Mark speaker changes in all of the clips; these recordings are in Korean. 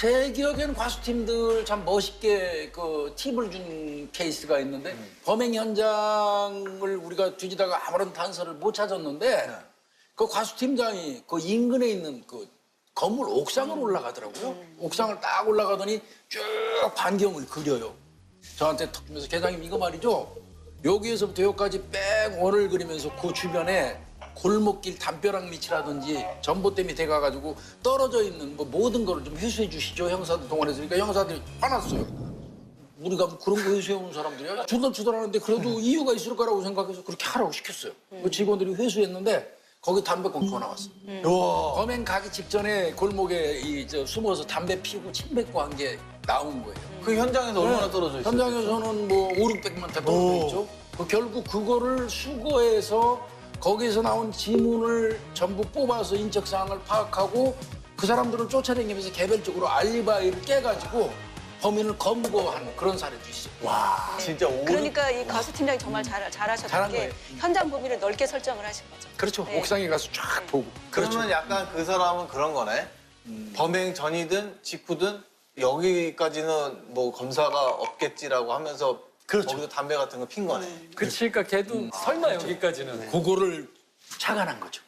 Speaker 1: 제 기억에는 과수팀들 참 멋있게 그 팁을 준 케이스가 있는데 범행 현장을 우리가 뒤지다가 아무런 단서를 못 찾았는데 그 과수팀장이 그 인근에 있는 그 건물 옥상으로 올라가더라고요. 옥상을 딱 올라가더니 쭉 반경을 그려요. 저한테 턱 주면서 계장님 이거 말이죠. 여기에서부터 여기까지 뺑 원을 그리면서 그 주변에 골목길 담벼락 밑이라든지 전봇대 밑에 가가지고 떨어져 있는 뭐 모든 거를 좀 회수해 주시죠. 형사들 동원해서. 그러니까 형사들이 화났어요. 우리가 뭐 그런 거 회수해 오는 사람들이야. 주덜주덜하는데 그래도 이유가 있을 거라고 생각해서 그렇게 하라고 시켰어요. 그 직원들이 회수했는데 거기 담배 꽁초가 나왔어. 범행 가기 직전에 골목에 숨어서 담배 피우고 침 뱉고 한 게 나온 거예요.
Speaker 2: 그 현장에서 얼마나 떨어져 있어요?
Speaker 1: 현장에서는 뭐 5, 600m 떨어져 있죠. 결국 그거를 수거해서 거기에서 나온 지문을 전부 뽑아서 인적사항을 파악하고 그 사람들을 쫓아다니면서 개별적으로 알리바이를 깨가지고 범인을 검거한 그런 사례도 있어요.
Speaker 2: 와, 진짜
Speaker 3: 그러니까 이 가수 팀장이 정말 잘하셨던
Speaker 1: 잘한
Speaker 3: 게
Speaker 1: 거예요.
Speaker 3: 현장 범위를 넓게 설정을 하신 거죠.
Speaker 1: 그렇죠.
Speaker 3: 네.
Speaker 1: 옥상에 가서 쫙 보고.
Speaker 2: 그러면 약간 그 사람은 그런 거네. 범행 전이든 직후든 여기까지는 뭐 검사가 없겠지라고 하면서 거기서 담배 같은 거 핀 거네.
Speaker 4: 그치, 그러니까 걔도 설마 여기까지는.
Speaker 1: 그거를 착안한 거죠.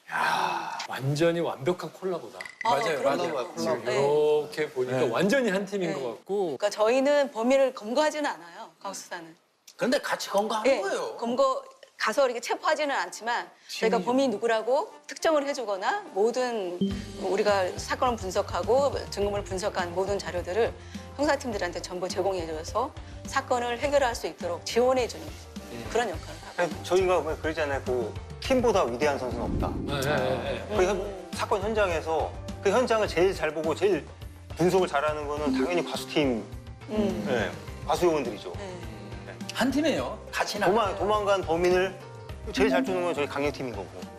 Speaker 4: 완전히 완벽한 콜라보다.
Speaker 1: 맞아요,
Speaker 3: 그럼요.
Speaker 1: 맞아요.
Speaker 4: 지금
Speaker 3: 네.
Speaker 4: 이렇게 보니까 완전히 한 팀인
Speaker 3: 네.
Speaker 4: 것 같고.
Speaker 3: 그러니까 저희는 범인을 검거하지는 않아요. 과수사는.
Speaker 1: 그런데 같이 검거하는
Speaker 3: 예,
Speaker 1: 거예요.
Speaker 3: 검거 가서 이렇게 체포하지는 않지만 저희가 범인이 누구라고 특정을 해주거나 모든 우리가 사건을 분석하고 증거물 분석한 모든 자료들을 형사팀들한테 전부 제공해줘서 사건을 해결할 수 있도록 지원해주는 그런 역할을 하고.
Speaker 5: 저희가 왜 그러잖아요. 그 팀보다 위대한 선수는 없다.
Speaker 4: 네, 네, 네.
Speaker 5: 그 사건 현장에서 그 현장을 제일 잘 보고 제일 분석을 잘하는 거는 당연히 과수팀, 네, 과수 요원들이죠.
Speaker 3: 네.
Speaker 1: 한 팀이에요. 같이 나가요.
Speaker 5: 도망간 범인을 제일 잘 쫓는 건 저희 강력팀인 거고.